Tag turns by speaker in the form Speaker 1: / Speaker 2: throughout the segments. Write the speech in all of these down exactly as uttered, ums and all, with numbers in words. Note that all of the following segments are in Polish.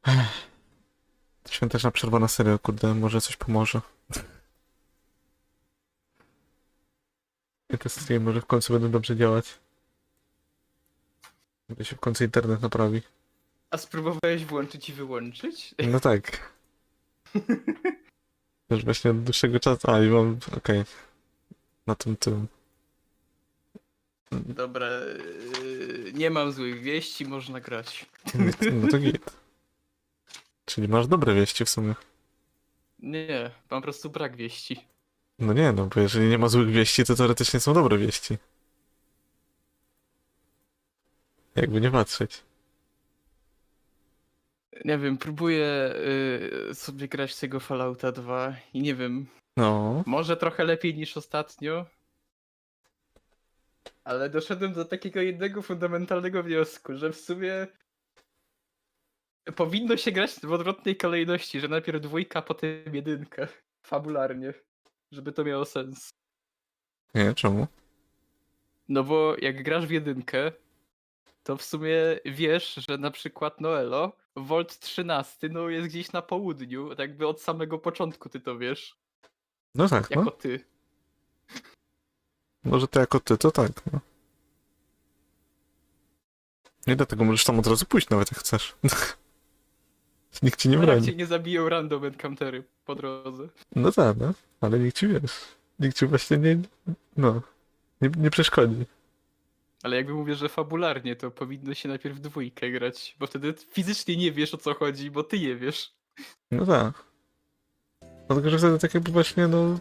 Speaker 1: Ech. Świąteczna przerwa na serial, kurde, może coś pomoże. I te streamy może w końcu będą dobrze działać. Gdy się w końcu internet naprawi.
Speaker 2: A spróbowałeś włączyć i wyłączyć?
Speaker 1: No tak. Już właśnie od dłuższego czasu. A, i mam. Okej. Na tym tym.
Speaker 2: Dobra, yy, nie mam złych wieści, można grać.
Speaker 1: No to git. Czyli masz dobre wieści w sumie.
Speaker 2: Nie, mam po prostu brak wieści.
Speaker 1: No nie, no bo jeżeli nie ma złych wieści, to teoretycznie są dobre wieści. Jakby nie patrzeć.
Speaker 2: Nie wiem, próbuję yy, sobie grać z tego Fallouta dwa i nie wiem,
Speaker 1: No.
Speaker 2: może trochę lepiej niż ostatnio, ale doszedłem do takiego jednego fundamentalnego wniosku, że w sumie powinno się grać w odwrotnej kolejności, że najpierw dwójka, potem jedynka. Fabularnie. Żeby to miało sens.
Speaker 1: Nie, czemu?
Speaker 2: No bo jak grasz w jedynkę, to w sumie wiesz, że na przykład Noelo, Volt trzynaście, no jest gdzieś na południu, tak jakby od samego początku ty to wiesz.
Speaker 1: No tak,
Speaker 2: Jako
Speaker 1: no.
Speaker 2: ty.
Speaker 1: Może ty jako ty, to tak, no. Nie dlatego możesz tam od razu pójść nawet jak chcesz. Nikt ci nie
Speaker 2: No jak
Speaker 1: broni.
Speaker 2: cię nie zabiją random encountery po drodze.
Speaker 1: No tak, no. Ale nikt ci wiesz. Nikt ci właśnie nie. No. Nie, nie przeszkodzi.
Speaker 2: Ale jakby mówię, że fabularnie, to powinno się najpierw w dwójkę grać, bo wtedy fizycznie nie wiesz o co chodzi, bo ty nie wiesz.
Speaker 1: No tak. Dlatego, że wtedy tak jakby właśnie, no.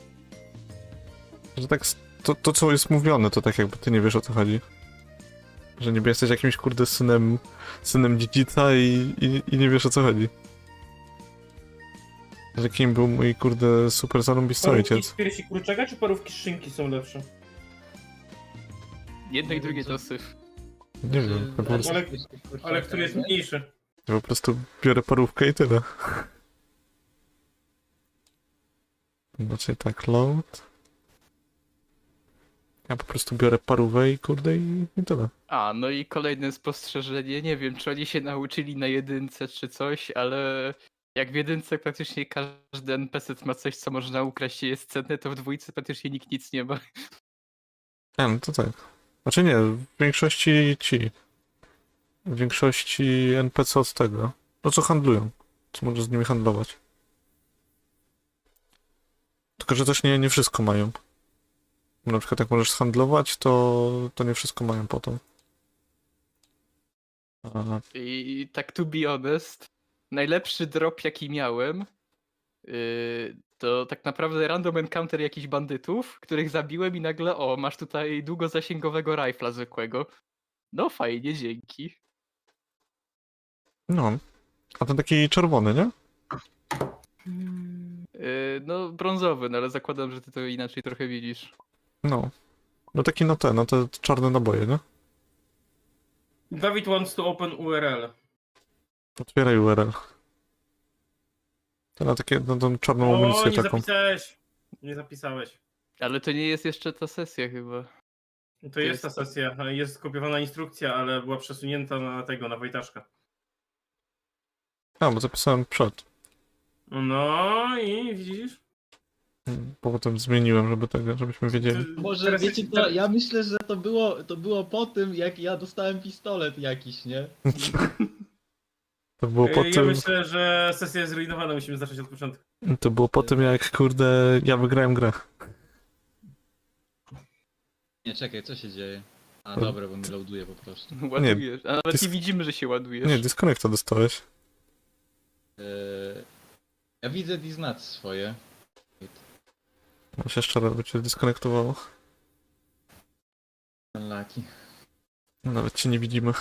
Speaker 1: Że tak. s- To, to co jest mówione, to tak jakby ty nie wiesz o co chodzi. Że niby jesteś jakimś kurde synem. Synem dziedzica i, i, i nie wiesz o co chodzi. Że kim był mój kurde super zarąbisty
Speaker 3: Parówki
Speaker 1: ojciec.
Speaker 3: z piersi kurczaka czy parówki z szynki są lepsze?
Speaker 2: Jedno i
Speaker 4: Nie
Speaker 2: drugie
Speaker 4: wiem, co-
Speaker 2: to syf.
Speaker 1: Nie wiem, ja po prostu,
Speaker 3: Ale- Ale który jest mniejszy?
Speaker 1: ja po prostu biorę parówkę i tyle. Znaczy tak, load. Ja po prostu biorę parówę i kurde i, i tyle.
Speaker 2: A, no i kolejne spostrzeżenie, nie wiem czy oni się nauczyli na jedynce czy coś, ale jak w jedynce praktycznie każdy en pe ce ma coś co można ukraść i jest cenne, to w dwójce praktycznie nikt nic nie ma.
Speaker 1: A, no to tak. Znaczy nie, w większości ci. W większości en pe ce od tego. No co handlują. Co możesz z nimi handlować. Tylko, że też nie, nie wszystko mają. Na przykład jak możesz handlować, to, to nie wszystko mają potem. A,
Speaker 2: I tak to be honest, najlepszy drop jaki miałem, yy, to tak naprawdę random encounter jakichś bandytów, których zabiłem i nagle o, masz tutaj długozasięgowego rifla zwykłego. No fajnie, dzięki.
Speaker 1: no. A ten taki czerwony, nie?
Speaker 2: Yy, no brązowy, no ale zakładam, że ty to inaczej trochę widzisz.
Speaker 1: No. No taki na te, na te czarne naboje, nie?
Speaker 3: Dawid wants to open U R L.
Speaker 1: Otwieraj U R L. To na takie, na tą czarną
Speaker 3: O,
Speaker 1: amunicję
Speaker 3: nie
Speaker 1: taką.
Speaker 3: zapisałeś. Nie zapisałeś.
Speaker 2: Ale to nie jest jeszcze ta sesja chyba.
Speaker 3: To jest ta sesja. Jest skopiowana instrukcja, ale była przesunięta na tego, na Wojtaszka.
Speaker 1: A, bo zapisałem przed.
Speaker 3: No i widzisz?
Speaker 1: Bo potem zmieniłem, żeby tego, żebyśmy wiedzieli.
Speaker 4: Może
Speaker 3: Teraz
Speaker 4: wiecie
Speaker 3: jest-
Speaker 4: co, ja myślę, że to było, to było po tym, jak ja dostałem pistolet jakiś, nie?
Speaker 1: To było po
Speaker 3: Ja
Speaker 1: tym,
Speaker 3: myślę, że sesja jest zrujnowana, musimy zacząć od początku.
Speaker 1: to było po tym jak, kurde, ja wygrałem grę.
Speaker 4: Nie, czekaj, co się dzieje? A
Speaker 1: No.
Speaker 4: dobra, bo mi loaduje po prostu.
Speaker 2: Ładujesz. A nawet
Speaker 1: dysk-
Speaker 2: nie widzimy, że się ładujesz.
Speaker 1: Nie, disconnecta dostałeś.
Speaker 4: Eee, ja widzę Diznat swoje.
Speaker 1: No się jeszcze raz by cię disconnectowało.
Speaker 4: Laki.
Speaker 1: Nawet cię nie widzimy.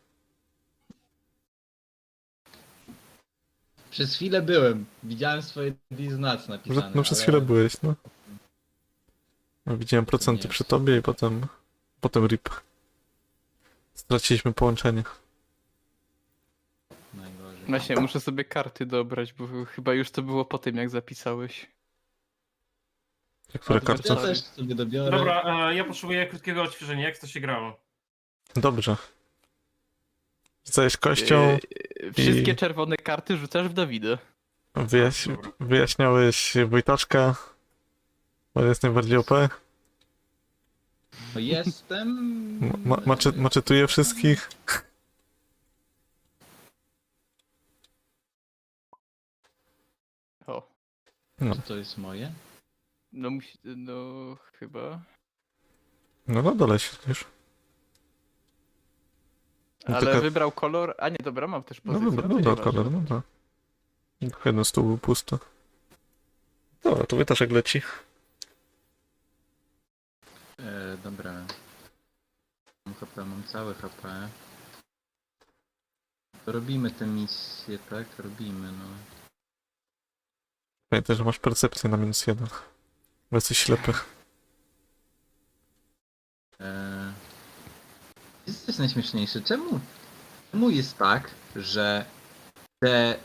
Speaker 4: Przez chwilę byłem. Widziałem swoje Diznat
Speaker 1: No,
Speaker 4: napisane.
Speaker 1: no przez
Speaker 4: ale...
Speaker 1: chwilę byłeś, no. No, widziałem procenty
Speaker 4: Nie.
Speaker 1: przy tobie i potem... Potem rip. Straciliśmy połączenie.
Speaker 4: Najgorzej.
Speaker 2: Właśnie, muszę sobie karty dobrać, bo chyba już to było po tym, jak zapisałeś.
Speaker 1: Które
Speaker 4: Ja
Speaker 1: karty?
Speaker 4: też sobie dobiorę.
Speaker 3: Dobra, e, ja potrzebuję krótkiego odświeżenia. Jak to się grało?
Speaker 1: Dobrze. Rzucałeś kością,
Speaker 2: Yy, Wszystkie
Speaker 1: I-
Speaker 2: czerwone karty rzucasz w Dawida.
Speaker 1: Wyjaś...
Speaker 3: Dobra.
Speaker 1: Wyjaśniałeś Wojtaczka, bo jest najbardziej O P.
Speaker 4: No jestem...
Speaker 1: Ma maczy maczetuje wszystkich.
Speaker 2: O,
Speaker 4: Czy to jest moje?
Speaker 2: no musi... no chyba.
Speaker 1: No na dole siedzisz. No
Speaker 2: Ale
Speaker 1: tylko-
Speaker 2: wybrał kolor... A nie, dobra, mam też
Speaker 1: No
Speaker 2: pozycję.
Speaker 1: dobra,
Speaker 2: to
Speaker 1: dobra,
Speaker 2: nieważne.
Speaker 1: kolor, no tak. Tylko jeden stół był pusty. Dobra, to Wojtaszek leci.
Speaker 4: E, dobra. Mam H P, mam całe H P. To robimy tę misję, tak? Robimy, no.
Speaker 1: Pamiętaj, że masz percepcję na minus jeden. Bo jesteś ślepy.
Speaker 4: E... Jest coś najśmieszniejsze. Czemu? Czemu jest tak, że te...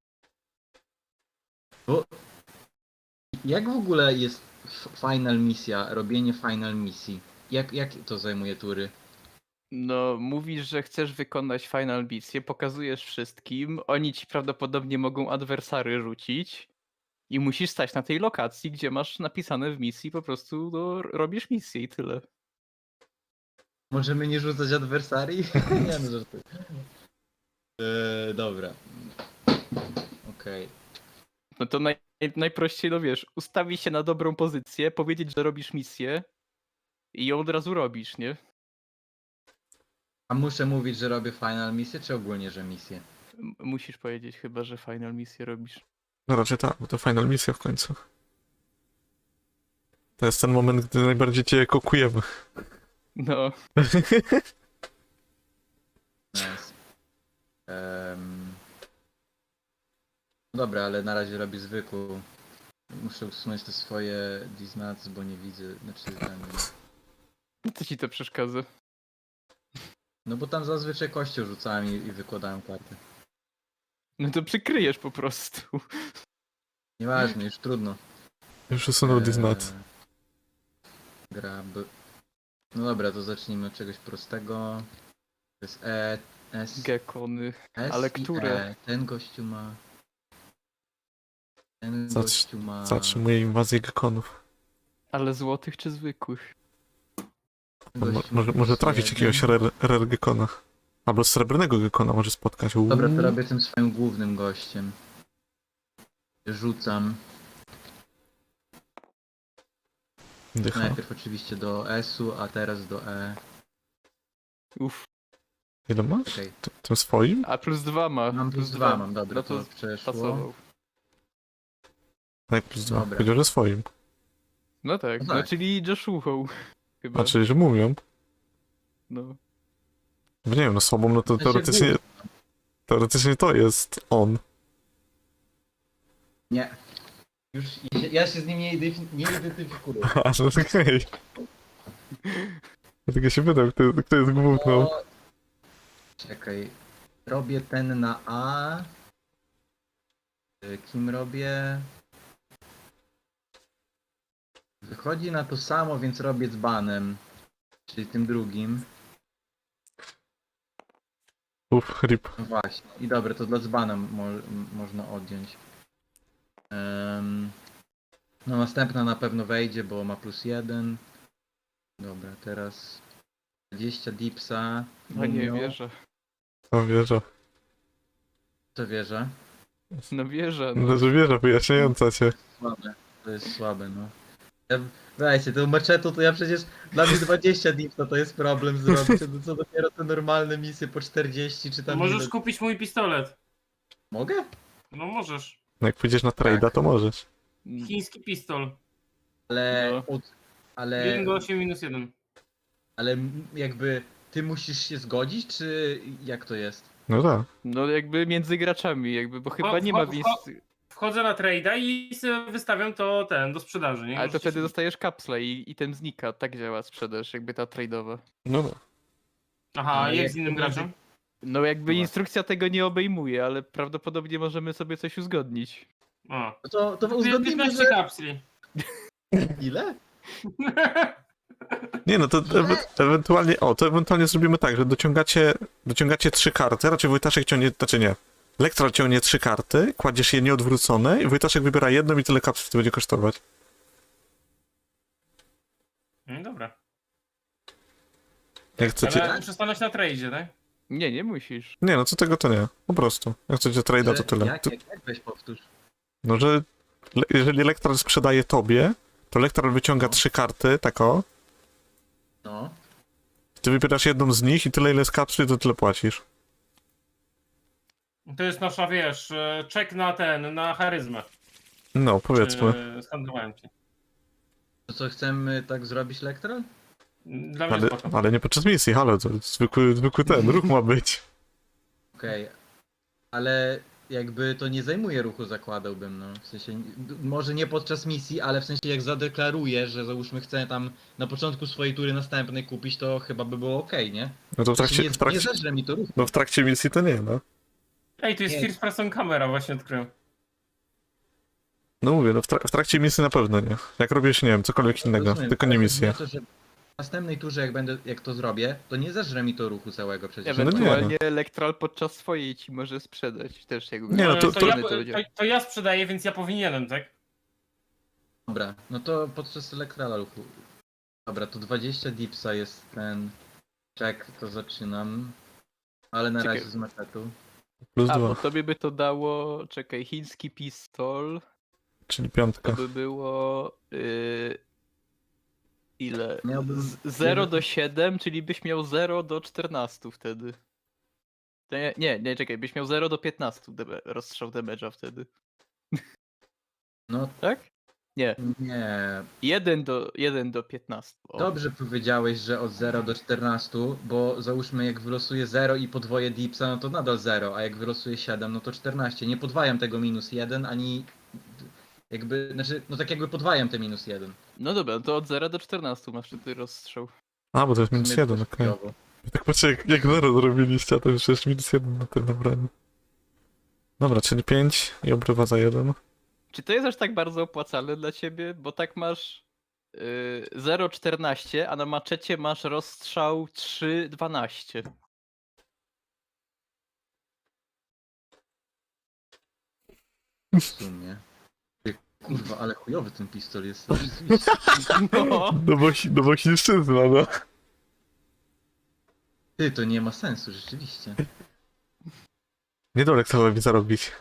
Speaker 4: Bo... Jak w ogóle jest f- final misja, robienie final misji? Jak, jak to zajmuje tury?
Speaker 2: No, mówisz, że chcesz wykonać final misję, pokazujesz wszystkim, oni ci prawdopodobnie mogą adwersary rzucić i musisz stać na tej lokacji, gdzie masz napisane w misji, po prostu no, robisz misję i tyle.
Speaker 4: Możemy nie rzucać adwersarii? Nie no, żartuję. Eee, dobra. Okej.
Speaker 2: No to naj, najprościej, no wiesz, ustawić się na dobrą pozycję, powiedzieć, że robisz misję i ją od razu robisz, nie?
Speaker 4: A muszę mówić, że robię final misję, czy ogólnie, że misję?
Speaker 2: M- Musisz powiedzieć chyba, że final misję robisz.
Speaker 1: No raczej tak, bo to final misja w końcu. To jest ten moment, gdy najbardziej cię kokujemy.
Speaker 2: No,
Speaker 4: Nice. Em, No dobra, ale na razie robię zwykłą. Muszę usunąć te swoje diznats, bo nie widzę, znaczy ten...
Speaker 2: co ci to przeszkadza?
Speaker 4: No bo tam zazwyczaj kością rzucałem i, i wykładałem karty.
Speaker 2: No to przykryjesz po prostu.
Speaker 4: Nieważne, już trudno.
Speaker 1: Już usunął
Speaker 4: Eee,
Speaker 1: Diznat.
Speaker 4: Grab. No dobra, to zacznijmy od czegoś prostego. To jest E, S,
Speaker 2: Gekony.
Speaker 4: S
Speaker 2: ale
Speaker 4: i
Speaker 2: które?
Speaker 4: E. Ten gościu ma... Ten
Speaker 1: Zatr-
Speaker 4: gościu ma...
Speaker 1: Zatrzymuje inwazję gekonów.
Speaker 2: Ale złotych czy zwykłych?
Speaker 4: ten
Speaker 1: On mo
Speaker 4: gościu ma
Speaker 1: może, może
Speaker 4: plus
Speaker 1: trafić
Speaker 4: jeden.
Speaker 1: jakiegoś rare, rare gekona. Albo srebrnego gekona może spotkać. Uuu.
Speaker 4: Dobra, to robię tym swoim głównym gościem. Rzucam.
Speaker 1: Dycha.
Speaker 4: Najpierw oczywiście do S-u, a teraz do E.
Speaker 2: Uff.
Speaker 1: Ile masz?
Speaker 4: Okej.
Speaker 1: T- Tym swoim?
Speaker 2: A plus dwa ma.
Speaker 4: Mam plus dwa, mam, dobra,
Speaker 2: No
Speaker 4: to
Speaker 2: to
Speaker 4: przeszło.
Speaker 2: pasował.
Speaker 1: Tak, plus dwa.
Speaker 4: Dobra.
Speaker 1: Powiedział, że swoim.
Speaker 2: No tak,
Speaker 4: No
Speaker 2: no,
Speaker 4: tak.
Speaker 2: czyli Joshuą. Chyba.
Speaker 1: A czyli, że mówią.
Speaker 2: No.
Speaker 1: Nie wiem, no słabą, no to
Speaker 4: W sensie
Speaker 1: teoretycznie,
Speaker 4: główny.
Speaker 1: teoretycznie to jest on.
Speaker 4: Nie. Już, ja się z nim nie, identyf- nie identyfikuję.
Speaker 1: A, no okej. Ja tylko się pytam, kto, kto jest główną.
Speaker 4: O, czekaj. Robię ten na A. Y, Kim robię? Wychodzi na to samo, więc robię dzbanem. Czyli tym drugim.
Speaker 1: Uff, rip.
Speaker 4: No właśnie. I dobra, to dla dzbana mo m- można odjąć. Em, no następna na pewno wejdzie, bo ma plus jeden. Dobra, teraz dwadzieścia dipsa.
Speaker 2: No nie
Speaker 4: Mumio.
Speaker 2: wierzę.
Speaker 1: No wieża.
Speaker 4: To wierzę.
Speaker 2: No wierzę. No.
Speaker 1: No, że wieża wyjaśniająca cię.
Speaker 4: Słabe. To jest słabe, no. Ja, weźcie, tą maczetą to ja przecież... Dla mnie dwadzieścia dipsa to jest problem zrobić. No co dopiero te normalne misje po czterdzieści czy tam
Speaker 3: Możesz
Speaker 4: ile.
Speaker 3: kupić mój pistolet.
Speaker 4: Mogę?
Speaker 3: No możesz.
Speaker 1: No jak pójdziesz na trade'a,
Speaker 4: Tak.
Speaker 1: to możesz.
Speaker 3: Chiński pistol.
Speaker 4: Ale...
Speaker 2: No.
Speaker 4: Od, ale...
Speaker 3: jeden do osiem minus jeden.
Speaker 4: Ale m- jakby... Ty musisz się zgodzić, czy jak to jest?
Speaker 1: No tak.
Speaker 2: No jakby między graczami, jakby, bo chyba nie ma
Speaker 3: wcho-
Speaker 2: vis.
Speaker 3: Wchodzę na trade'a i sobie wystawiam to ten do sprzedaży, nie?
Speaker 2: Ale to
Speaker 3: Możecie
Speaker 2: wtedy
Speaker 3: sobie-
Speaker 2: dostajesz kapsle i, i ten znika. Tak działa sprzedaż, jakby ta trade'owa.
Speaker 1: No no.
Speaker 3: Aha,
Speaker 4: A
Speaker 3: jak
Speaker 4: jak
Speaker 3: z innym
Speaker 4: to będzie-
Speaker 3: graczem?
Speaker 2: No jakby
Speaker 4: No.
Speaker 2: instrukcja tego nie obejmuje, ale prawdopodobnie możemy sobie coś uzgodnić.
Speaker 3: A.
Speaker 4: No to, to
Speaker 3: To
Speaker 4: uzgodnimy,
Speaker 3: piętnaście
Speaker 4: że...
Speaker 3: kapsli.
Speaker 4: Ile?
Speaker 1: Nie no, to ewe ewentualnie, o, to ewentualnie zrobimy tak, że dociągacie, dociągacie trzy karty, raczej Wojtaszek ciągnie, znaczy nie, Lektral ciągnie trzy karty, kładziesz je nieodwrócone i Wojtaszek wybiera jedną i tyle kapsli to będzie kosztować.
Speaker 3: No dobra.
Speaker 1: Jak chcecie...
Speaker 3: Ale muszę stanąć na tradzie, tak?
Speaker 2: Nie, nie musisz.
Speaker 1: Nie no, co tego to nie, po prostu. Jak chcecie trade'a, to tyle.
Speaker 4: Jak,
Speaker 1: To-
Speaker 4: jak, jak weź powtórz.
Speaker 1: No, że le jeżeli Lektral sprzedaje tobie, to Lektral wyciąga
Speaker 4: No.
Speaker 1: trzy karty, tak o,
Speaker 4: No.
Speaker 1: ty wybierasz jedną z nich i tyle ile z kapsli, to tyle płacisz.
Speaker 3: To jest nasza, wiesz, e, czek na ten, na charyzmę.
Speaker 1: No, powiedzmy.
Speaker 3: Czy Skandowałem ci.
Speaker 4: To co, chcemy tak zrobić, Lektral?
Speaker 3: Dla mnie
Speaker 1: Ale,
Speaker 3: spoko.
Speaker 1: ale nie podczas misji, halo, to zwykły, zwykły ten, ruch ma być.
Speaker 4: Okej. Ale jakby to nie zajmuje ruchu, zakładałbym, no. W sensie, d- może nie podczas misji, ale w sensie jak zadeklaruję, że załóżmy chcę tam na początku swojej tury następnej kupić, to chyba by było okej, nie?
Speaker 1: No to w
Speaker 4: W sensie
Speaker 1: trakcie,
Speaker 4: nie,
Speaker 1: w
Speaker 4: nie
Speaker 1: trakcie,
Speaker 4: zeżre mi to ruchu.
Speaker 1: no w trakcie misji to nie, no.
Speaker 3: Ej, tu jest
Speaker 4: Nie.
Speaker 3: first person camera, właśnie odkryłem.
Speaker 1: No mówię, no w, trak w trakcie misji na pewno nie. Jak robisz, nie wiem, cokolwiek innego,
Speaker 4: Rozumiem,
Speaker 1: tylko
Speaker 4: ale
Speaker 1: nie
Speaker 4: chodzi
Speaker 1: misję.
Speaker 4: o to, że w następnej turze, jak będę, jak to zrobię, to nie zeżre mi to ruchu całego przecież.
Speaker 1: No nie,
Speaker 2: Ewentualnie Elektral podczas swojej ci może sprzedać też jakby.
Speaker 1: Nie, no to-
Speaker 3: to,
Speaker 1: to-
Speaker 3: ja,
Speaker 2: to
Speaker 3: to,
Speaker 2: będzie.
Speaker 3: to ja sprzedaję, więc ja powinienem, tak?
Speaker 4: Dobra, no to podczas Elektrala ruchu. Dobra, to dwadzieścia dipsa jest ten check, to zaczynam. Ale na
Speaker 2: Czekaj.
Speaker 4: razie z machetu.
Speaker 1: Plus
Speaker 2: A, bo
Speaker 1: dwa,
Speaker 2: tobie by to dało, czekaj, chiński pistol,
Speaker 1: czyli
Speaker 2: to
Speaker 1: piątka.
Speaker 2: by było yy, ile?
Speaker 4: Miałbym
Speaker 2: Z zero
Speaker 4: jeden-
Speaker 2: do siedem, czyli byś miał zero do czternastu wtedy. To Nie, nie, nie, czekaj, byś miał zero do piętnastu debe- rozstrzał damage'a wtedy.
Speaker 4: No
Speaker 2: Tak? Nie,
Speaker 4: nie.
Speaker 2: jeden do, jeden do piętnastu. O.
Speaker 4: Dobrze powiedziałeś, że od zera do czternastu, bo załóżmy jak wylosuję zero i podwoję dipsa, no to nadal zero, a jak wylosuję siedem, no to czternaście. Nie podwajam tego minus jeden, ani jakby, znaczy, no tak jakby podwajam te minus jeden.
Speaker 2: No dobra, to od zera do czternastu masz wtedy rozstrzał.
Speaker 1: A, bo to jest
Speaker 4: W sumie
Speaker 1: minus
Speaker 4: to
Speaker 1: jeden,
Speaker 4: też
Speaker 1: okej.
Speaker 4: chujowo.
Speaker 1: Tak patrzę, jak, jak zero zrobiliście, a to już jest minus jeden na tym nabraniu. Dobra, czyli pięć i obrywa za jeden.
Speaker 2: Czy to jest aż tak bardzo opłacalne dla ciebie? Bo tak masz yy, zero przecinek czternaście, a na maczecie masz rozstrzał trzy przecinek dwanaście.
Speaker 4: W sumie. Ty, kurwa, ale chujowy ten pistol jest.
Speaker 2: No,
Speaker 1: No bo, chi- no bo chińszczyzna, no.
Speaker 4: Ty, to nie ma sensu, rzeczywiście.
Speaker 1: Nie do Elektralowi zarobić.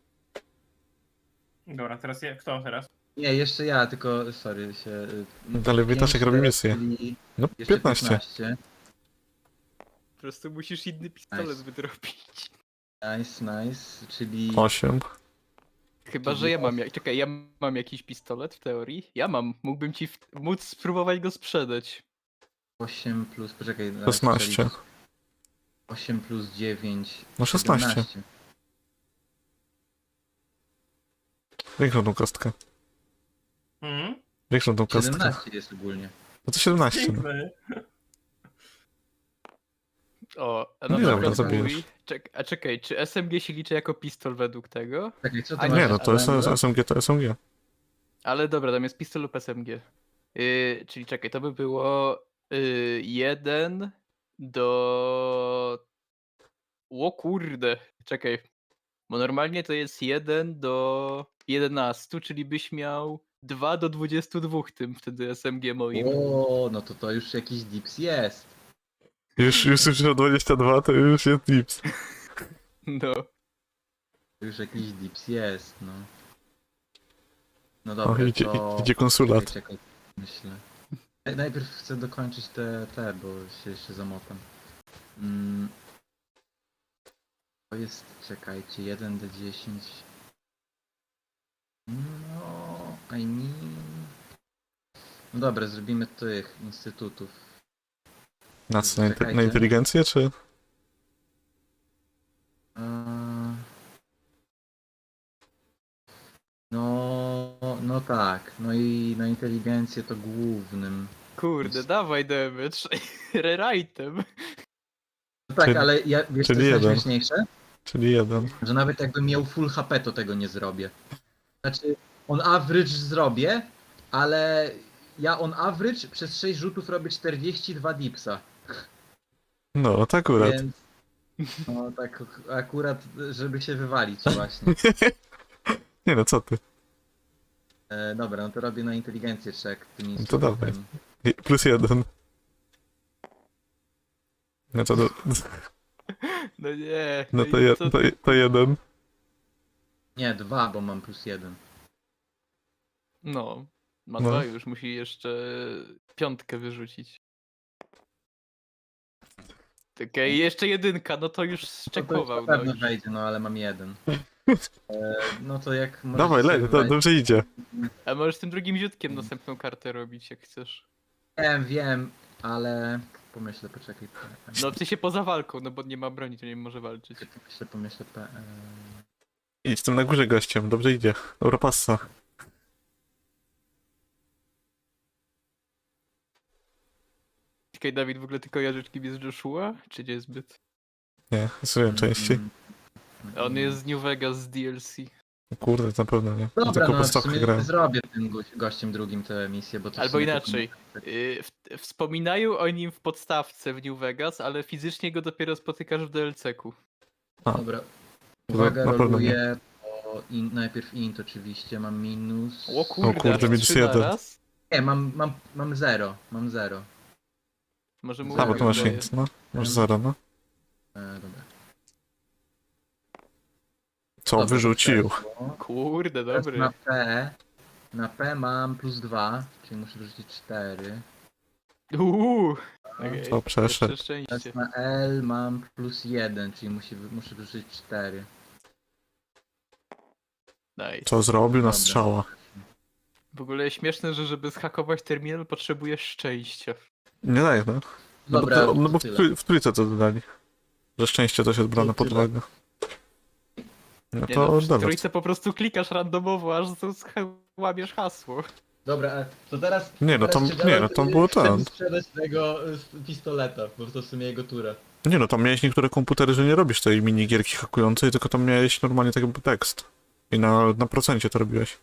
Speaker 3: Dobra, teraz ja, kto teraz?
Speaker 4: Nie, jeszcze ja, tylko, sorry, się... y,
Speaker 1: Dalej Wojtaszek
Speaker 4: pięć
Speaker 1: robi
Speaker 4: teraz,
Speaker 1: misję.
Speaker 4: czyli
Speaker 1: No,
Speaker 4: jeszcze
Speaker 1: piętnaście.
Speaker 4: piętnaście.
Speaker 2: po prostu musisz inny pistolet
Speaker 4: Nice.
Speaker 2: wydrobić.
Speaker 4: Nice, nice, czyli...
Speaker 1: osiem.
Speaker 2: Chyba, że ja mam. Jak... Czekaj, ja mam jakiś pistolet w teorii? Ja mam. Mógłbym ci w... móc spróbować go sprzedać.
Speaker 4: osiem plus, poczekaj, na
Speaker 1: szesnaście.
Speaker 4: osiem plus dziewięć.
Speaker 1: No szesnaście.
Speaker 4: siedemnaście.
Speaker 1: Większą tą kostkę.
Speaker 3: Mhm.
Speaker 1: Większą tą kostkę.
Speaker 4: siedemnaście jest ogólnie.
Speaker 1: No to siedemnaście. No.
Speaker 3: Piękne.
Speaker 2: O, a
Speaker 1: No
Speaker 2: na
Speaker 1: nie,
Speaker 2: przykład
Speaker 1: dobra,
Speaker 2: mój...
Speaker 1: zabijesz.
Speaker 2: Czek... A czekaj, czy S M G się liczy jako pistol według tego?
Speaker 4: Czekaj, co
Speaker 2: A
Speaker 4: to
Speaker 2: nie,
Speaker 4: masz?
Speaker 1: Nie, no to jest
Speaker 4: Ale-
Speaker 1: S M G, to S M G.
Speaker 2: Ale dobra, tam jest pistol lub S M G. Yy, czyli czekaj, to by było yy, jeden do... O kurde, czekaj. Bo normalnie to jest jeden do jedenastu, czyli byś miał dwa do dwudziestu dwóch tym wtedy S M G moim.
Speaker 4: O, no to to już jakiś dips jest.
Speaker 1: Już, już już dwadzieścia dwa, to już jest dips.
Speaker 2: No.
Speaker 4: To już jakiś dips jest, no. No
Speaker 1: O,
Speaker 4: dobra,
Speaker 1: idzie,
Speaker 4: to...
Speaker 1: idzie konsulat.
Speaker 4: Czekaj, czekaj, myślę. Naj- Najpierw chcę dokończyć te, te, bo się jeszcze zamotam. Mm. To jest, czekajcie, jeden do dziesięć. No, I mean... No dobra, zrobimy tych instytutów.
Speaker 1: Na co, na, inte-
Speaker 4: Czekajcie.
Speaker 1: na inteligencję, czy?
Speaker 4: Eee, No, no tak, no i na inteligencję to głównym.
Speaker 2: Kurde, dawaj damage. Rewritem.
Speaker 4: No tak,
Speaker 1: Czyli-
Speaker 4: ale ja, wiesz co
Speaker 1: czyli
Speaker 4: jest
Speaker 1: jeden.
Speaker 4: najśmieszniejsze?
Speaker 1: Czyli jeden.
Speaker 4: Że nawet jakbym miał full H P, to tego nie zrobię. Znaczy, on average zrobię, ale ja on average przez sześć rzutów robię czterdzieści dwa dipsa.
Speaker 1: No, to akurat.
Speaker 4: Więc no tak akurat, żeby się wywalić właśnie.
Speaker 1: Nie no, co ty?
Speaker 4: E, dobra, no to robię na inteligencję check tym
Speaker 1: No to dawaj.
Speaker 4: instrumentem.
Speaker 1: I- Plus jeden. No to, do,
Speaker 2: No nie.
Speaker 1: no to,
Speaker 2: i
Speaker 1: je,
Speaker 2: co
Speaker 1: to,
Speaker 2: ty-
Speaker 1: to jeden.
Speaker 4: Nie, dwa, bo mam plus jeden.
Speaker 2: No. Ma
Speaker 1: No.
Speaker 2: dwa już, musi jeszcze piątkę wyrzucić. Okej, jeszcze jedynka, no to już
Speaker 4: No to już
Speaker 2: zczekował.
Speaker 4: na pewno
Speaker 2: No, już.
Speaker 4: wejdzie, no ale mam jeden. E, no to jak możecie
Speaker 1: Dawaj,
Speaker 4: sobie
Speaker 1: lej, to
Speaker 4: wejść-
Speaker 1: dobrze idzie.
Speaker 2: A możesz tym drugim ziutkiem następną kartę robić, jak chcesz.
Speaker 4: Wiem, wiem, ale pomyślę, poczekaj.
Speaker 2: No w sensie poza walką, no bo nie ma broni, to nie może walczyć.
Speaker 4: Pomyślę, pomyślę. P... e,
Speaker 1: Idź tym na górze gościem, dobrze idzie. Dobra passa.
Speaker 2: Czekaj, Dawid, w ogóle tylko jarzyczki jest Joshua? Czy nie zbyt?
Speaker 1: Nie, zrobiłem częściej.
Speaker 4: mm,
Speaker 2: A on jest z New Vegas z D L C.
Speaker 1: Kurde, na pewno nie. Ja
Speaker 4: Dobra,
Speaker 1: tylko
Speaker 4: no
Speaker 1: po
Speaker 4: w
Speaker 1: stawkę
Speaker 4: sumie
Speaker 1: grałem.
Speaker 4: zrobię tym goś- gościem drugim tę misję, bo to w
Speaker 2: Albo
Speaker 4: sumie
Speaker 2: inaczej.
Speaker 4: tylko-
Speaker 2: Yy, w- Wspominają o nim w podstawce w New Vegas, ale fizycznie go dopiero spotykasz w D L C-ku.
Speaker 1: A.
Speaker 4: Dobra.
Speaker 1: To
Speaker 4: Uwaga,
Speaker 1: na pewno nie.
Speaker 4: roluję. O, in, najpierw int oczywiście, mam minus.
Speaker 2: O kurde,
Speaker 1: kurde,
Speaker 2: aż
Speaker 1: minus
Speaker 2: trzy
Speaker 1: jeden.
Speaker 2: naraz?
Speaker 4: Nie, mam, mam, mam zero, mam zero.
Speaker 2: Może mu
Speaker 1: A, bo tu masz
Speaker 2: daje.
Speaker 1: int, no. Masz zero, no.
Speaker 4: E, dobra.
Speaker 1: Co,
Speaker 4: Dobra,
Speaker 1: wyrzucił.
Speaker 4: przeszło.
Speaker 2: Kurde,
Speaker 4: Teraz
Speaker 2: dobry.
Speaker 4: na P. Na P mam plus dwa, czyli muszę wyrzucić cztery.
Speaker 2: Uuu, okej,
Speaker 1: Co, przeszedł.
Speaker 2: jeszcze szczęście.
Speaker 4: Teraz na L mam plus jeden, czyli musi, muszę wyrzucić cztery.
Speaker 2: Nice.
Speaker 1: Co zrobił na
Speaker 4: Dobra.
Speaker 1: strzała.
Speaker 2: W ogóle śmieszne, że żeby zhakować terminal potrzebujesz szczęścia.
Speaker 1: Nie daje, no. No
Speaker 4: Dobra,
Speaker 1: bo, to, no bo w,
Speaker 4: tyle.
Speaker 1: trój- w trójce to dodali. Że szczęście też jest brane
Speaker 4: To
Speaker 1: pod
Speaker 4: tyle.
Speaker 1: uwagę. No
Speaker 2: Nie
Speaker 1: to
Speaker 2: no, w
Speaker 1: dodać.
Speaker 2: trójce po prostu klikasz randomowo, aż to łamiesz hasło.
Speaker 4: Dobra, a to teraz...
Speaker 1: Nie, no
Speaker 4: teraz
Speaker 1: tam-
Speaker 4: czy
Speaker 1: nie,
Speaker 4: Geralt,
Speaker 1: no tam
Speaker 4: y,
Speaker 1: było
Speaker 4: chce
Speaker 1: ten.
Speaker 4: mi sprzedać tego y, pistoleta, bo to w sumie jego tura.
Speaker 1: Nie no, tam miałeś niektóre komputery, że nie robisz tej minigierki hakującej, tylko tam miałeś normalnie tak jakby tekst. I na, na procencie to robiłeś.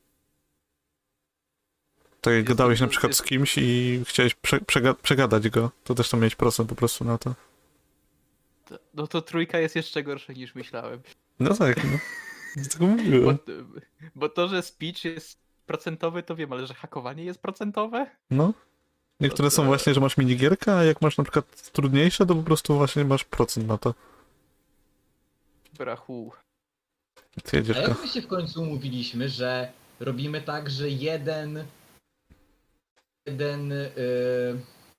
Speaker 1: Tak jak
Speaker 2: Jest-
Speaker 1: gadałeś na
Speaker 2: jest-
Speaker 1: przykład z kimś i chciałeś prze, przega przegadać go, to też tam miałeś procent po prostu na to.
Speaker 2: To- No to trójka jest jeszcze gorsza niż myślałem.
Speaker 1: No tak, no. Dlatego
Speaker 2: Bo,
Speaker 1: mówiłem.
Speaker 2: bo to, że speech jest procentowy, to wiem, ale że hakowanie jest procentowe?
Speaker 1: No. Niektóre
Speaker 2: to-
Speaker 1: są właśnie, że masz minigierkę, a jak masz na przykład trudniejsze, to po prostu właśnie masz procent na to.
Speaker 2: Brachu.
Speaker 1: Ty jedziesz
Speaker 4: A
Speaker 1: go.
Speaker 4: jak my się w końcu umówiliśmy, że robimy tak, że jeden... Jeden... y,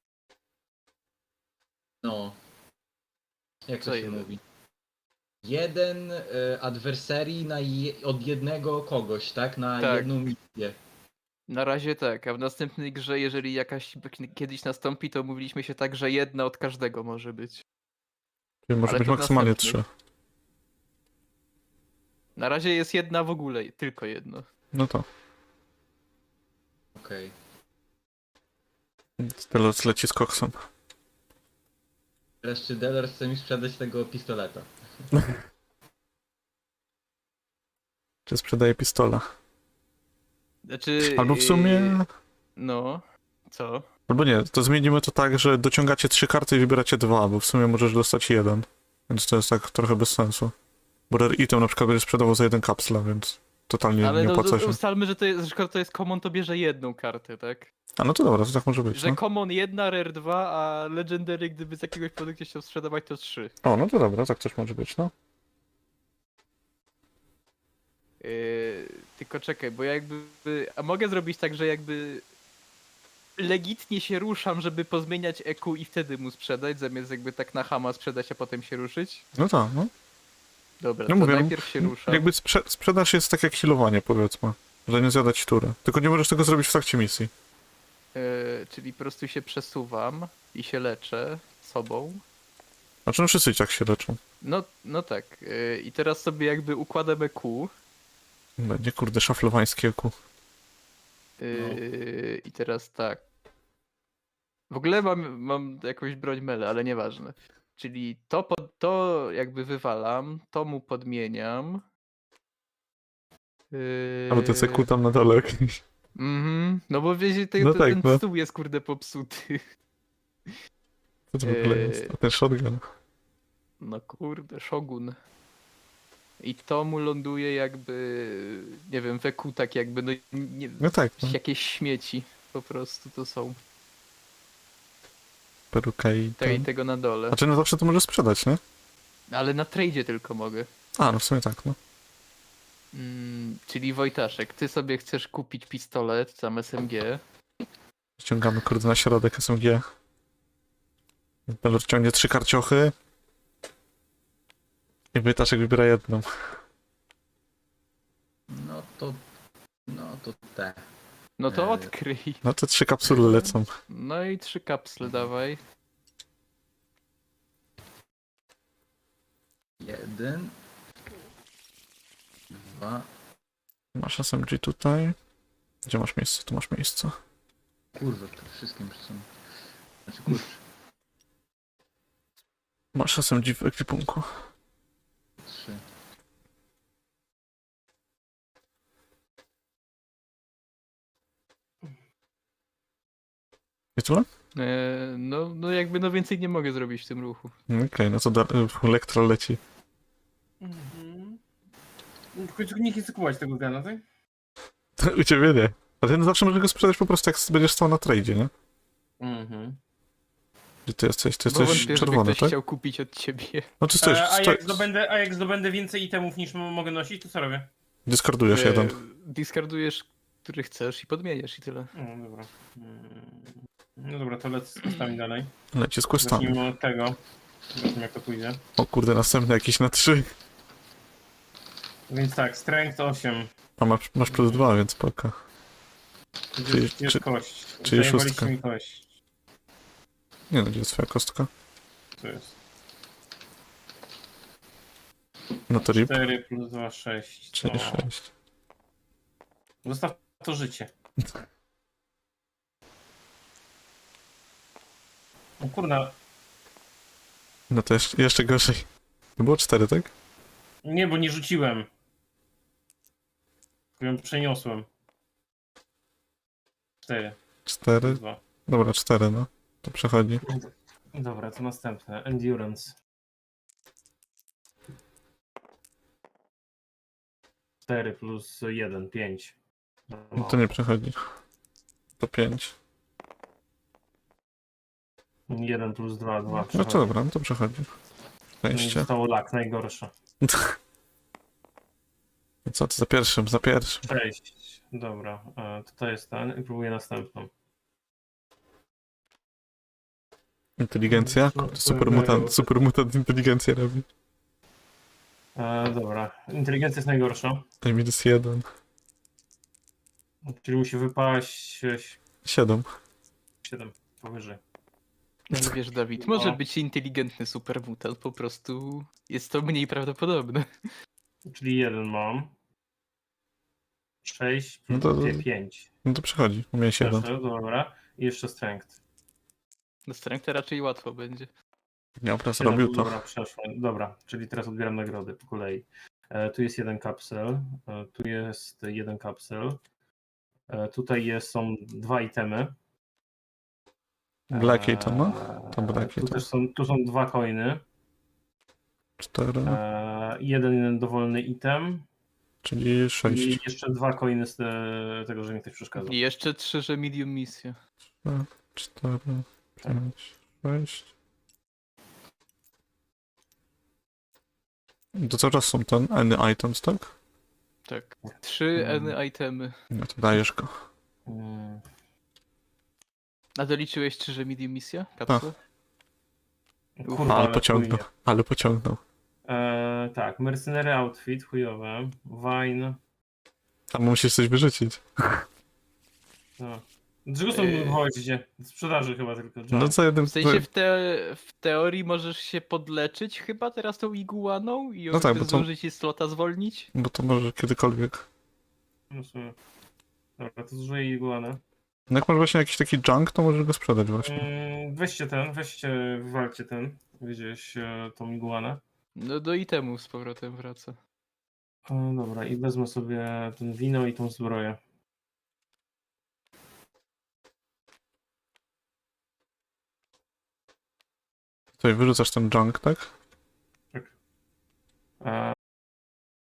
Speaker 4: no... Jak
Speaker 2: Co
Speaker 4: to się
Speaker 2: jeden?
Speaker 4: mówi? Jeden y, adwersarii na je, od jednego kogoś, tak? Na
Speaker 2: Tak.
Speaker 4: jedną misję.
Speaker 2: Na razie tak, a w następnej grze, jeżeli jakaś kiedyś nastąpi, to mówiliśmy się tak, że jedna od każdego może być.
Speaker 1: Czyli może
Speaker 2: ale
Speaker 1: być
Speaker 2: to
Speaker 1: maksymalnie
Speaker 2: następny.
Speaker 1: trzy.
Speaker 2: Na razie jest jedna w ogóle, tylko jedno.
Speaker 1: No to.
Speaker 4: Okej.
Speaker 1: Tyle leci z koksem.
Speaker 4: Teraz czy Deller chce mi sprzedać tego pistoleta?
Speaker 1: Czy sprzedaje pistola?
Speaker 2: Znaczy...
Speaker 1: Albo w sumie...
Speaker 2: yy, No, co?
Speaker 1: Albo nie, to zmienimy to tak, że dociągacie trzy karty i wybieracie dwa, bo w sumie możesz dostać jeden. Więc to jest tak trochę bez sensu. Bo Rare Item na przykład będzie sprzedawał za jeden kapsla, więc totalnie
Speaker 2: Ale
Speaker 1: nie
Speaker 2: no,
Speaker 1: opłaca
Speaker 2: no
Speaker 1: się.
Speaker 2: ustalmy, że to jest, że skoro to jest common, to bierze jedną kartę, tak?
Speaker 1: A no to dobra, to tak może być,
Speaker 2: Że
Speaker 1: no.
Speaker 2: common jedna, rare dwa, a legendary, gdyby z jakiegoś produktu chciał sprzedawać, to trzy.
Speaker 1: O, no to dobra, tak też może być, no.
Speaker 2: Yy, tylko czekaj, bo ja jakby... A mogę zrobić tak, że jakby... Legitnie się ruszam, żeby pozmieniać E Q i wtedy mu sprzedać, zamiast jakby tak na hama sprzedać, a potem się ruszyć?
Speaker 1: No tak, no.
Speaker 2: Dobra,
Speaker 1: No
Speaker 2: to
Speaker 1: mówię,
Speaker 2: najpierw się ruszam.
Speaker 1: Jakby sprze sprzedaż jest tak jak healowanie, powiedzmy. Że nie zjadać turę. Tylko nie możesz tego zrobić w trakcie misji.
Speaker 2: Yy, czyli po prostu się przesuwam i się leczę sobą.
Speaker 1: Znaczy no wszyscy i tak się leczą.
Speaker 2: No, no tak. Yy, I teraz sobie jakby układam E Q.
Speaker 1: Będzie kurde szaflowańskie ku.
Speaker 2: Yy, I teraz tak. W ogóle mam, mam jakąś broń mele, ale nieważne. Czyli to, pod, to jakby wywalam, to mu podmieniam. Yy,
Speaker 1: Albo to jest ku tam na dole jakieś.
Speaker 2: Mhm, no bo wiecie, te,
Speaker 1: No
Speaker 2: te,
Speaker 1: tak,
Speaker 2: ten
Speaker 1: no.
Speaker 2: stół jest kurde popsuty.
Speaker 1: Co to w ogóle
Speaker 2: Eee.
Speaker 1: jest? A ten shotgun.
Speaker 2: No kurde, Shogun. I to mu ląduje jakby, nie wiem, we kół tak jakby, no nie,
Speaker 1: No tak, no.
Speaker 2: jakieś śmieci po prostu to są.
Speaker 1: Peruka i
Speaker 2: Te, I
Speaker 1: ten.
Speaker 2: tego na dole.
Speaker 1: Znaczy no zawsze to możesz sprzedać, nie?
Speaker 2: Ale na tradzie tylko mogę.
Speaker 1: A, no w sumie tak, no.
Speaker 2: Mm, czyli Wojtaszek, ty sobie chcesz kupić pistolet, tam S M G.
Speaker 1: Ściągamy kurde na środek S M G. Pelor ciągnie trzy karciochy. I Wojtaszek wybiera jedną.
Speaker 4: No to... No to te.
Speaker 2: No to
Speaker 4: Eee.
Speaker 2: odkryj.
Speaker 1: No te trzy kapsuły lecą.
Speaker 2: No i trzy kapsle dawaj.
Speaker 4: Jeden. Dwa.
Speaker 1: Masz S M G tutaj. Gdzie masz miejsce? Tu masz miejsce.
Speaker 4: Kurwa, to wszystkim są. Znaczy kurczę.
Speaker 1: Masz S M G w ekwipunku.
Speaker 4: Trzy.
Speaker 1: I tyle?
Speaker 2: Eee, no, no jakby no więcej nie mogę zrobić w tym ruchu.
Speaker 1: Okej, no to da- Elektra leci.
Speaker 3: Mhm. W końcu nikt nie chce kupować tego gana, tak?
Speaker 1: U ciebie nie. A ty no zawsze możesz go sprzedać po prostu jak będziesz stał na tradzie, nie?
Speaker 3: Mhm.
Speaker 1: Gdzie ty jesteś? Ty
Speaker 2: Bo
Speaker 1: jesteś
Speaker 2: wątpię, żeby
Speaker 1: czerwony,
Speaker 2: ktoś
Speaker 1: tak?
Speaker 2: chciał kupić od ciebie.
Speaker 1: No ty stoisz,
Speaker 3: E, a,
Speaker 1: sto...
Speaker 3: jak zdobędę, a jak zdobędę więcej itemów niż m- mogę nosić, to co robię?
Speaker 1: dyskordujesz
Speaker 2: Eee,
Speaker 1: jeden.
Speaker 2: Discardujesz, który chcesz i podmieniasz i tyle.
Speaker 3: No dobra. Mm. No dobra, to lecę z questami dalej.
Speaker 1: Leci z questami.
Speaker 3: Zacznijmy od tego. Zobaczmy jak to pójdzie.
Speaker 1: O kurde, następny jakiś na trzy.
Speaker 3: Więc tak, strength osiem.
Speaker 1: A masz, masz plus dwa, więc spoko.
Speaker 3: Gdzie
Speaker 1: Czyli-
Speaker 3: jest, gdzie jest
Speaker 1: czy-
Speaker 3: kość?
Speaker 1: czyli
Speaker 3: Zajebaliście
Speaker 1: szóstka.
Speaker 3: mi kość.
Speaker 1: Nie no, gdzie jest twoja kostka?
Speaker 3: Co jest?
Speaker 1: No to rip.
Speaker 3: cztery plus dwa, sześć.
Speaker 1: Czyli
Speaker 3: No.
Speaker 1: sześć.
Speaker 3: Zostaw to życie. O kurna.
Speaker 1: No to jeszcze, jeszcze gorzej. To było cztery, tak?
Speaker 3: Nie, bo nie rzuciłem. Tylko ją przeniosłem. cztery.
Speaker 1: Cztery.
Speaker 3: dwa.
Speaker 1: Dobra, cztery, no. To przechodzi.
Speaker 3: Dobra, to następne. Endurance. cztery plus jeden, pięć.
Speaker 1: No to nie przechodzi. To pięć.
Speaker 3: jeden plus dwa, dwa.
Speaker 1: No to dobra, no to przechodzi. Szczęście.
Speaker 3: Zostało lak, najgorsze.
Speaker 1: I co, to za pierwszym, za pierwszym.
Speaker 3: sześć. Dobra, e, to to jest ten i próbuję następną.
Speaker 1: Inteligencja? Kurde, super mutant, super mutant inteligencję robi.
Speaker 3: E, dobra, inteligencja jest najgorsza.
Speaker 1: Daj minus jeden.
Speaker 3: Czyli musi wypaść
Speaker 1: Siedem.
Speaker 3: siedem powyżej.
Speaker 2: Ale wiesz, Dawid, może
Speaker 3: No.
Speaker 2: być inteligentny supermutant, po prostu jest to mniej prawdopodobne.
Speaker 3: Czyli jeden mam. sześć
Speaker 1: No
Speaker 3: plus
Speaker 1: to-
Speaker 3: pięć.
Speaker 1: No to przechodzi. U mnie siedem.
Speaker 3: Dobra. I jeszcze strength.
Speaker 2: Na strength raczej łatwo będzie.
Speaker 1: Dobra,
Speaker 3: Siedem,
Speaker 1: zrobił to.
Speaker 3: Dobra, przeszłem. Dobra, czyli teraz odbieram nagrody po kolei. E, tu jest jeden kapsel. E, tu jest jeden kapsel. E, tutaj jest, są dwa itemy.
Speaker 1: Black item, no? To
Speaker 3: E,
Speaker 1: black
Speaker 3: tu
Speaker 1: item.
Speaker 3: też są, tu są dwa coiny.
Speaker 1: Cztery.
Speaker 3: E, jeden dowolny item.
Speaker 1: Czyli
Speaker 3: I
Speaker 1: sześć.
Speaker 3: jeszcze dwa coiny z te, tego, że mi ktoś przeszkadza.
Speaker 2: I jeszcze trzy, że medium misja.
Speaker 1: Cztery. Pięć. Sześć. To cały czas są ten any items, tak?
Speaker 2: Tak. Trzy
Speaker 3: Mm.
Speaker 2: N itemy.
Speaker 1: No to dajesz go.
Speaker 3: Mm.
Speaker 2: A doliczyłeś trzy, że medium misja? Kapsle?
Speaker 3: Kurwa,
Speaker 1: Ale
Speaker 3: ale
Speaker 1: pociągnął.
Speaker 3: chujnie.
Speaker 1: Ale pociągnął.
Speaker 3: E, tak, Mercenary Outfit, chujowe. Wine.
Speaker 1: Tam musisz coś wyrzucić.
Speaker 3: No. Dlaczego są
Speaker 2: Eee.
Speaker 3: w gwoździe? W sprzedaży chyba tylko.
Speaker 1: No za jednym...
Speaker 2: W sensie w, te, w teorii możesz się podleczyć chyba teraz tą iguaną i
Speaker 1: No tak,
Speaker 2: jakby
Speaker 1: bo to-
Speaker 2: zdążyć jej slota zwolnić?
Speaker 1: Bo to może kiedykolwiek.
Speaker 3: No w sumie. Dobra, to zużyję iguanę.
Speaker 1: No jak masz właśnie jakiś taki junk, to możesz go sprzedać właśnie.
Speaker 3: Mm, weźcie ten, weźcie, wywalcie ten. Gdzieś e, tą iguanę.
Speaker 2: No do itemów z powrotem wraca.
Speaker 3: E, dobra, i wezmę sobie ten wino i tą zbroję.
Speaker 1: Tutaj wyrzucasz ten junk, tak?
Speaker 3: E,